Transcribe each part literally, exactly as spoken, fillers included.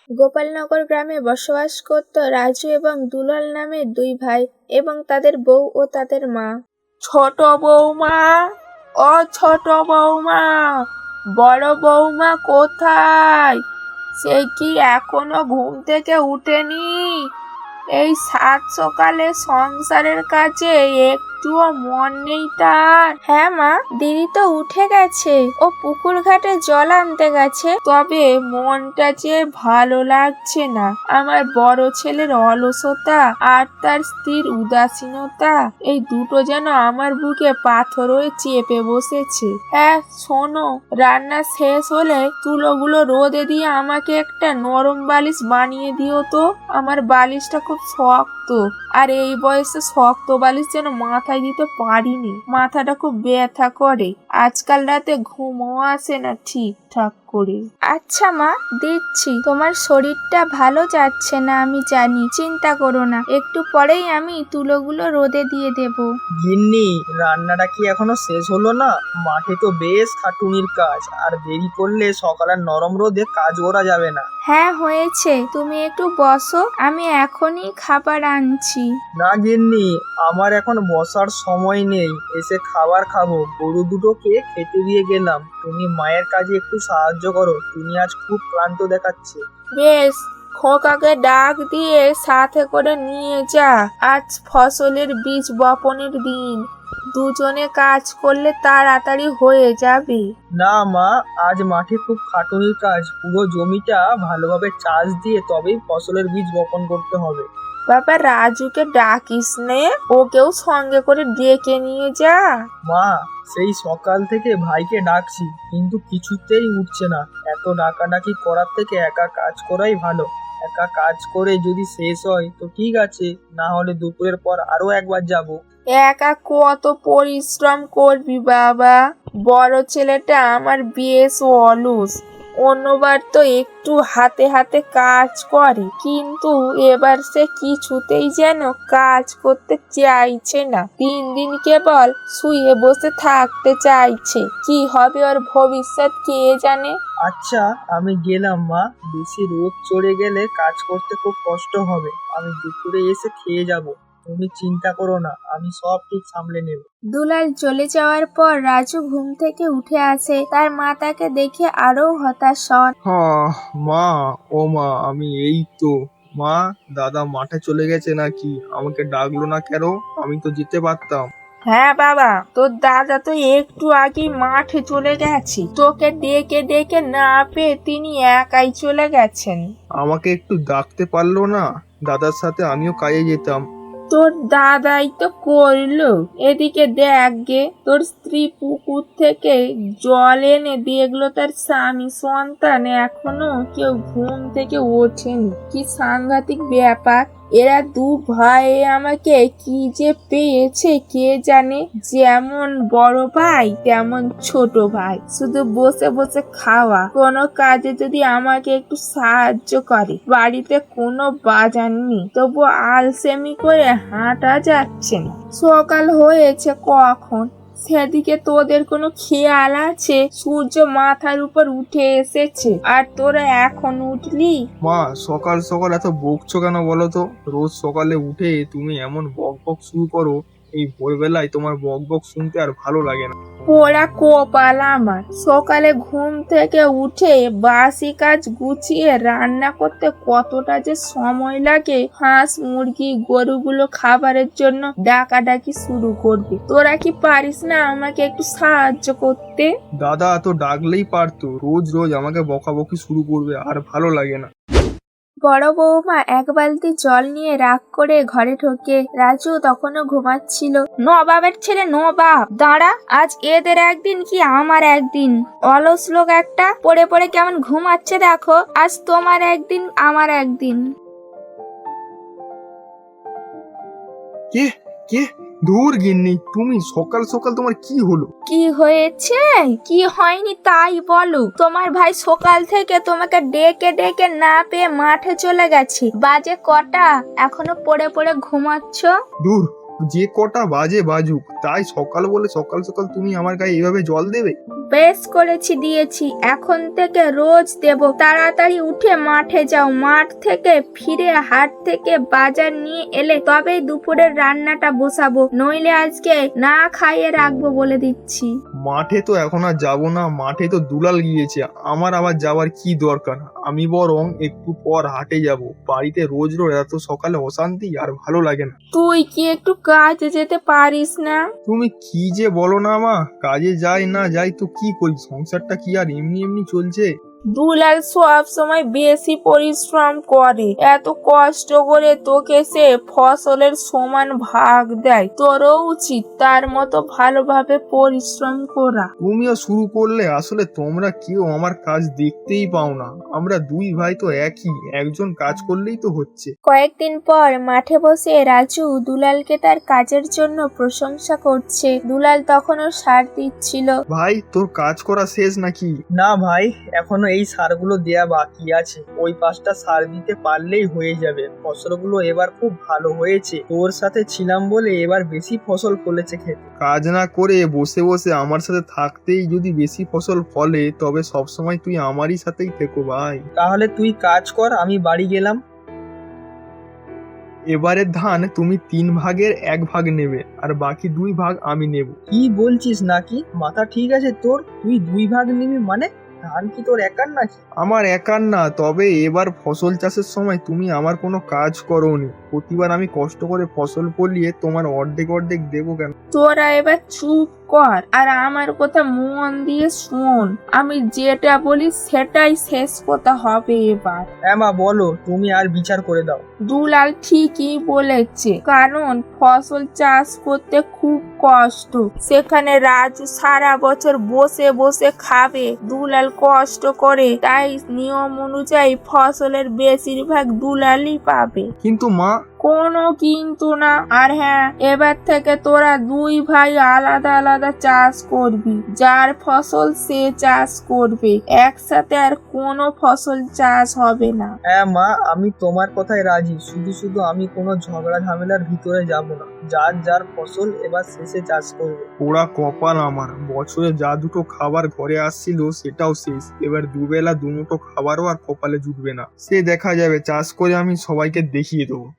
গোপালনগর গ্রামে বসবাস করত রাজু এবং দুলাল নামে দুই ভাই এবং তাদের বউ ও তাদের মা। ছোট বৌমা, ও ছোট বৌমা, বড় বৌমা কোথায়? সে কি এখনো ঘুম থেকে উঠেনি? এই সাত সকালে সংসারের কাছে একটুও মন নেই তার? হ্যাঁ মা, দিদি তো উঠে গেছে, ও পুকুর ঘাটে জল আনতে গেছে। তবে মনটা যে ভালো লাগছে না। আমার বড় ছেলের অলসতা আর তার স্ত্রীর উদাসীনতা, এই দুটো যেন আমার বুকে পাথর হয়ে চেপে বসেছে। হ্যাঁ শোনো, রান্না শেষ হলে তুলোগুলো রোদে দিয়ে আমাকে একটা নরম বালিশ বানিয়ে দিও তো। আমার বালিশটা খুব শক্ত, আর এই বয়সে শক্ত বালিশ যেন মাথায় দিতে পারিনি। মাথাটা খুব ব্যথা করে, আজকাল রাতে ঘুমও আসে না ঠিকঠাক করে। আচ্ছা মা, দিচ্ছি। তোমার শরীরটা ভালো যাচ্ছে না আমি জানি, চিন্তা করো না, একটু পরেই আমি তুলোগুলো রোদে দিয়ে দেব। গিন্নি, রান্নাটা কি এখনো শেষ হলো না? মাঠে তো বেশ খাটুনির কাজ, আর দেরি করলে সকালের নরম রোদে কাজ করা যাবে না। হ্যাঁ হয়েছে, তুমি একটু বসো, আমি এখনই খাবার আনছি। না গিন্নি, আমার এখন বসার সময় নেই, এসে খাবার খাবো। গরু দুটোকে খেতে দিয়ে গেলাম, তুমি মায়ের কাজে একটু সাহায্য করো, তুমি আজ খুব ক্লান্ত দেখাচ্ছে। বেশ, খোকাকে ডাক দিয়ে সাথে করে নিয়ে যা। আজ ফসলের বীজ বপনের দিন, দুজনে কাজ করলে তাড়াতাড়ি হয়ে যাবে। না মা, আজ মাঠে খুব খাটুনির কাজ, পুরো জমিটা ভালোভাবে চাষ দিয়ে তবেই ফসলের বীজ বপন করতে হবে। বাবা রাজুকে ডাকিস নে, ওকেও সঙ্গে করে ডেকে নিয়ে যা। মা, সেই সকাল থেকে ভাইকে ডাকছি, কিন্তু কিছুতেই উঠছে না। এত ডাকাডাকি করার থেকে একা কাজ করাই ভালো। একা কাজ করে যদি শেষ হয় তো ঠিক আছে, না হলে দুপুরের পর আরো একবার যাব। একা কত পরিশ্রম করবি বাবা? বড় ছেলেটা আমার বেশ অলস, অন্যবার তো একটু হাতে হাতে কাজ করে, কিন্তু এবার সে কিছুতেই যেন কাজ করতে চাইছে না। দিন দিন কেবল শুয়ে বসে থাকতে চাইছে। কি হবে ওর ভবিষ্যৎ কে জানে। আচ্ছা, আমি গেলাম মা, বেশি রোদ চড়ে গেলে কাজ করতে খুব কষ্ট হবে। আমি দুপুরে এসে খেয়ে যাব, তুমি চিন্তা করো না, আমি সব ঠিক সামলে নেব। দুলাল চলে যাওয়ার পর রাজু ঘুম থেকে উঠে আসে, তার মা তাকে দেখে আরো হতাশ হন। হ্যাঁ মা, ও মা, আমি এই তো। মা, দাদা মাঠে চলে গেছে নাকি? আমাকে ডাকলো না কেন? আমি তো যেতে পারতাম। হ্যাঁ বাবা, তোর দাদা তো একটু আগে মাঠে চলে গেছে, তোকে ডেকে ডেকে না পেয়ে তিনি একাই চলে গেছেন। আমাকে একটু ডাকতে পারলো না? দাদার সাথে আমিও কাজে যেতাম। তোর দাদাই তো করলো। এদিকে দেখ গে, তোর স্ত্রী পুকুর থেকে জল এনে দেখলো তার স্বামী সন্তান এখনো কেউ ঘুম থেকে ওঠেনি। কি সাংঘাতিক ব্যাপার! এরা দু ভাই আমাকে কি যে পেয়েছে কে জানে। যেমন বড় ভাই তেমন ছোট ভাই, শুধু বসে বসে খাওয়া। কোনো কাজে যদি আমাকে একটু সাহায্য করে, বাড়িতে কোনো বাজার নেই, তবু আলসেমি করে হাঁটা যাচ্ছে না। সকাল হয়েছে কখন, সেদিকে তোদের কোনো খেয়াল আছে? সূর্য মাথার উপর উঠে এসেছে আর তোরা এখন উঠলি? মা, সকাল সকাল এত বকছো কেন বলো তো? রোজ সকালে উঠে তুমি এমন বক বক শুরু করো, এই ভোরবেলায় তোমার বক বক শুনতে আর ভালো লাগে না। পোড়া কপাল আমার, সকালে ঘুম থেকে উঠে বাসি কাজ গুছিয়ে রান্না করতে কতটা যে সময় লাগে। হাঁস মুরগি গরুগুলো খাবারের জন্য ডাকাডাকি শুরু করবে, তোরা কি পারিস না আমাকে একটু সাহায্য করতে? দাদা তো ডাকলেই পারতো, রোজ রোজ আমাকে বকাবকি শুরু করবে, আর ভালো লাগে না। বড় বৌমা এক বালতি জল নিয়ে রাগ করে ঘরে ঢোকে। রাজু তখনও ঘুমাচ্ছিল। নবাবের ছেলে নবাব, দাঁড়া, আজ এদের একদিন কি আমার একদিন। অলস লোক একটা, পড়ে পড়ে কেমন ঘুমাচ্ছে দেখো। আজ তোমার একদিন আমার একদিন। কে কে ধুর গিন্নি, তুমি সকাল সকাল তোমার কি হলো? কি হয়েছে কি হয়নি তাই বলো। তোমার ভাই সকাল থেকে তোমাকে ডেকে ডেকে না পেয়ে মাঠে চলে গেছে। বাজে কটা, এখনো পড়ে পড়ে ঘুমাচ্ছ? দূর, যে কটা বাজে বাজুক, তাই সকাল বলে সকাল সকাল তুমি আমার গায়ে এইভাবে জল দেবে? বেশ করেছি, দিয়েছি, এখন থেকে রোজ দেব। তাড়াতাড়ি উঠে মাঠে যাও, মাঠ থেকে ফিরে হাট থেকে বাজার নিয়ে এলে তবেই দুপুরের রান্নাটা বসাবো, নইলে আজকে না খাইয়ে রাখবো বলে দিচ্ছি। মাঠে তো এখন আর যাবো না, মাঠে তো দুলাল গিয়েছে, আমার আবার যাওয়ার কি দরকার? আমি বরং একটু পর হাটে যাব। বাড়িতে রোজ রোজ এত সকালে অশান্তি আর ভালো লাগে না। তুই কি একটু কাজে যেতে পারিস না? তুমি কি যে বলো না মা, কাজে যাই না যাই তো কি করি, সংসারটা কি আর এমনি এমনি চলছে? দুলাল সব সময় বেশি পরিশ্রম করে, এত কষ্ট করে তোকে সে ফসলের সমান ভাগ দেয়, তোরও উচিত তার মতো ভালোভাবে পরিশ্রম করা। তুমিও শুরু করলে, আসলে তোমরা কেউ আমার কাজ দেখতেই পাও না। আমরা দুই ভাই তো একই, একজন কাজ করলেই তো হচ্ছে। কয়েকদিন পর মাঠে বসে রাজু দুলালকে তার কাজের জন্য প্রশংসা করছে। দুলাল তখনও সার দিচ্ছিল। ভাই, তোর কাজ করা শেষ নাকি? না ভাই, এখনো এই সারগুলো দেয়া বাকি আছে। ওই পাঁচটা সার দিতে পারলেই হয়ে যাবে। ফসলগুলো এবার খুব ভালো হয়েছে, তোর সাথে ছিলাম বলে এবার বেশি ফসল ফলেছে খেতে। কাজ না করে বসে বসে আমার সাথে থাকতেই যদি বেশি ফসল ফলে, তবে সবসময় তুই আমারই সাথেই থেকো ভাই। তাহলে তুই কাজ কর, আমি বাড়ি গেলাম। এবারের ধান তুমি তিন ভাগের এক ভাগ নেবে, আর বাকি দুই ভাগ আমি নেব। কি বলছিস নাকি? মাথা ঠিক আছে তোর? তুই দুই ভাগ নিবি মানে? ধান কি তোর একার নাকি? আমার একার না, তবে এবার ফসল চাষের সময় তুমি আমার কোনো কাজ করোনি। প্রতিবার আমি কষ্ট করে ফসল ফলিয়ে তোমার অর্ধেক অর্ধেক দেবো কেন? তোরা এবার চুপ কর আর আমার কথা মন দিয়ে শোন। আমি যেটা বলি সেটাই শেষ কথা হবে এবার। হ্যাঁ মা, বলো, তুমি আর বিচার করে দাও। দুলাল ঠিকই বলেছে, কারণ ফসল চাষ করতে খুব কষ্ট। সেখানে রাজু সারা বছর বসে বসে খাবে, দুলাল কষ্ট করে, তাই নিয়ম অনুযায়ী ফসলের বেশিরভাগ দুলালই পাবে। কিন্তু মা, কোনো কিন্তু না। আর হ্যাঁ, এবার থেকে তোরা দুই ভাই আলাদা আলাদা চাষ করবি, যার ফসল সে চাষ করবে, একসাথে আর কোনো ফসল চাষ হবে না। হ্যাঁ মা, আমি তোমার কথায় রাজি, শুধু শুধু আমি কোনো ঝগড়া ঝামেলার ভিতরে যাব না। যার যার ফসল এবার শেষে চাষ করবে। পোড়া কপাল আমার, বছরে যা দুটো খাবার ঘরে আসছিল সেটাও শেষ। এবার দুবেলা দুমুঠো খাবারও আর কপালে জুটবে না। সে দেখা যাবে, চাষ করে আমি সবাইকে দেখিয়ে দেবো।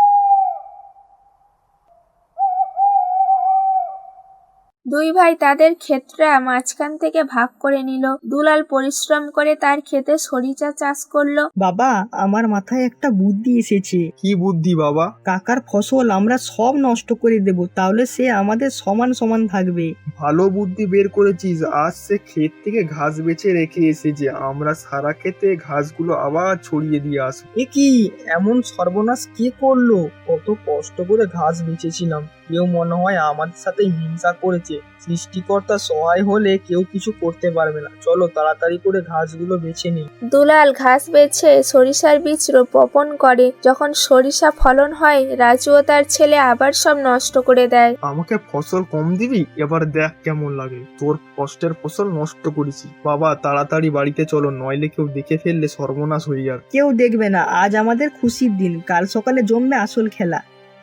দুই ভাই তাদের ক্ষেতটা মাঝখান থেকে ভাগ করে নিল। দুলাল পরিশ্রম করে তার ক্ষেতে সরিষা চাষ করলো। বাবা, আমার মাথায় একটা বুদ্ধি এসেছে। কি বুদ্ধি বাবা? কাকার ফসল আমরা সব নষ্ট করে দেব, তাহলে সে আমাদের সমান সমান থাকবে। ভালো বুদ্ধি বের করেছিস। আজ সে ক্ষেত থেকে ঘাস বেছে রেখে এসেছে, আমরা সারা ক্ষেতে ঘাসগুলো আবার ছড়িয়ে দিয়ে আসবো। এ কি এমন সর্বনাশ কে করলো? কত কষ্ট করে ঘাস বেচেছিলাম, কেউ মনে হয় আমাদের সাথে হিংসা করেছে। সৃষ্টিকর্তা সহায় হলে কেউ কিছু করতে পারবে না। চলো তাড়াতাড়ি করে ঘাসগুলো বেছে নিই। দুলাল ঘাস বেছে সরিষার বীজ বপন করে। যখন সরিষা ফলন হয়, রাজু ও তার ছেলে আবার সব নষ্ট করে দেয়। আমাকে ফসল কম দিবি? এবার দেখ কেমন লাগে। তোর কষ্টের ফসল নষ্ট করেছি। বাবা, তাড়াতাড়ি বাড়িতে চলো, নইলে কেউ দেখে ফেললে সর্বনাশ হয়ে যাবে। কেউ দেখবে না, আজ আমাদের খুশির দিন, কাল সকালে জমবে আসল খেলা।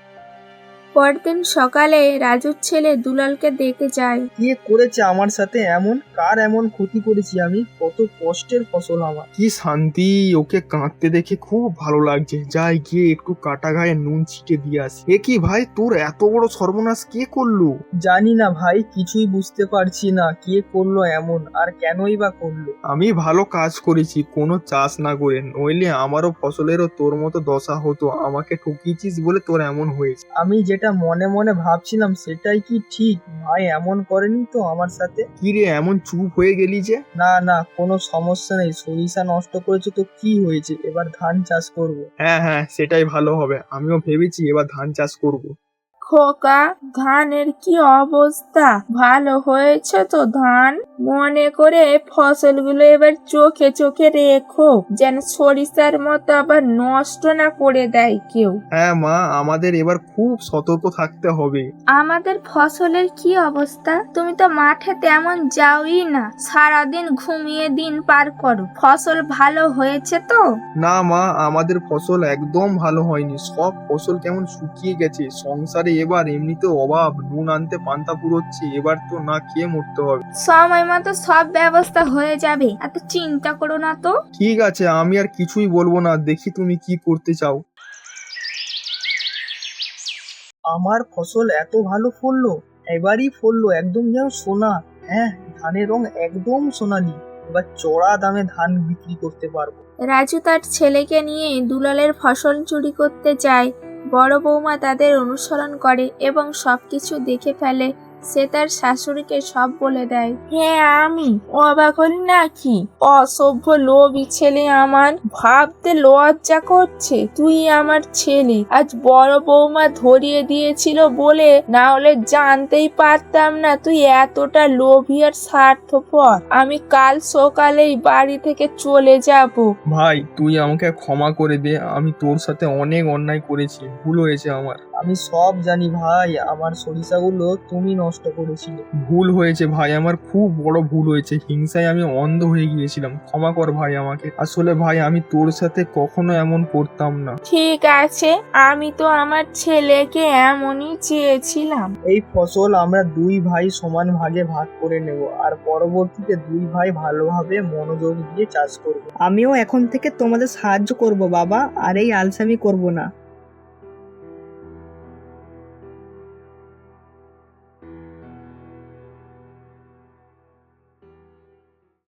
পরদিন সকালে রাজুর ছেলে দুলালকে দেখে যায়। কে করেছে আমার সাথে এমন? কার এমন ক্ষতি করেছি আমি? কত কষ্টের ফসল আমার। কি শান্তি! ওকে কাঁদতে দেখে খুব ভালো লাগছে। যাই গিয়ে একটু কাটা গায়ে নুন ছিটে দিয়ে আসি। এ কি ভাই, তোর এত বড় সর্বনাশ কে করলো? জানি না ভাই, কিছুই বুঝতে পারছি না কে করলো এমন, আর কেনই বা করলো। আমি ভালো কাজ করেছি কোনো চাষ না করে, নইলে আমারও ফসলেরও তোর মতো দশা হতো। আমাকে ঠকিয়েছিস বলে তোর এমন হয়েছে। আমি যেটা মনে মনে ভাবছিলাম সেটাই কি ঠিক? ভাই এমন করেনি তো আমার সাথে? কি রে, এমন চুপ হয়ে গেলি যে? না না, কোনো সমস্যা নেই। সরিষা নষ্ট করেছে তো কি হয়েছে, এবার ধান চাষ করব। হ্যাঁ হ্যাঁ, সেটাই ভালো হবে। আমিও ভেবেছি এবার ধান চাষ করব। খোকা, ধানের কি অবস্থা? ভালো হয়েছে তো ধান? মনে করে ফসলগুলো এবার চোখে চোখে রেখো, যেন সরিষার মতো আবার নষ্ট না করে দেয় কেউ। হ্যাঁ মা, আমাদের এবার খুব সতর্ক থাকতে হবে। আমাদের ফসলের কি অবস্থা? তুমি তো মাঠে তেমন যাওই না, সারাদিন ঘুমিয়ে দিন পার করো। ফসল ভালো হয়েছে তো? না মা, আমাদের ফসল একদম ভালো হয়নি। সব ফসল কেমন শুকিয়ে গেছে। সংসারে এবার এমনিতেও অভাব, নুন আনতে পান্তা পুরোচ্ছে, এবার তো না খেয়ে মরতে হবে। সময় মতো সব ব্যবস্থা হয়ে যাবে, এত চিন্তা করো না তো। ঠিক আছে, আমি আর কিছুই বলবো না, দেখি তুমি কি করতে চাও। আমার ফসল এত ভালো ফললো, এবারই ফললো একদম যেন সোনা। হ্যাঁ, ধানের রং একদম সোনালি। এবার চড়া দামে ধান বিক্রি করতে পারবো। রাজু তার ছেলেকে নিয়ে দুলালের ফসল চুরি করতে যায়। বড় বৌমা তাদের অনুসরণ করে এবং সবকিছু দেখে ফেলে। সে তার শাশুড়িকে সব বলে দেয়। হ্যাঁ, আমি অবাক হলি নাকি? অসভ্য লোভী ছেলে আমার, ভাবতে লজ্জা করছে তুই আমার ছেলে। আজ বড় বৌমা ধরিয়ে দিয়েছিল বলে, না হলে জানতেই পারতাম না তুই এতটা লোভী আর স্বার্থপর। আমি কাল সকালেই বাড়ি থেকে চলে যাব। ভাই তুই আমাকে ক্ষমা করে দে, আমি তোর সাথে অনেক অন্যায় করেছি, ভুল হয়েছে আমার। আমি সব জানি ভাই, আমার সরিষাগুলো তুমি নষ্ট করেছিলে। ভুল হয়েছে ভাই, আমার খুব বড় ভুল হয়েছে, হিংসায় আমি অন্ধ হয়ে গিয়েছিলাম, ক্ষমা কর ভাই আমাকে। আসলে ভাই আমি তোর সাথে কখনো এমন করতাম না। ঠিক আছে, আমি তো আমার ছেলেকে এমনই চেয়েছিলাম। এই ফসল আমরা দুই ভাই সমান ভাগে ভাগ করে নেব, আর পরবর্তীতে দুই ভাই ভালোভাবে মনোযোগ দিয়ে চাষ করব। আমিও এখন থেকে তোমাদের সাহায্য করব বাবা, আর এই আলসামি করব না।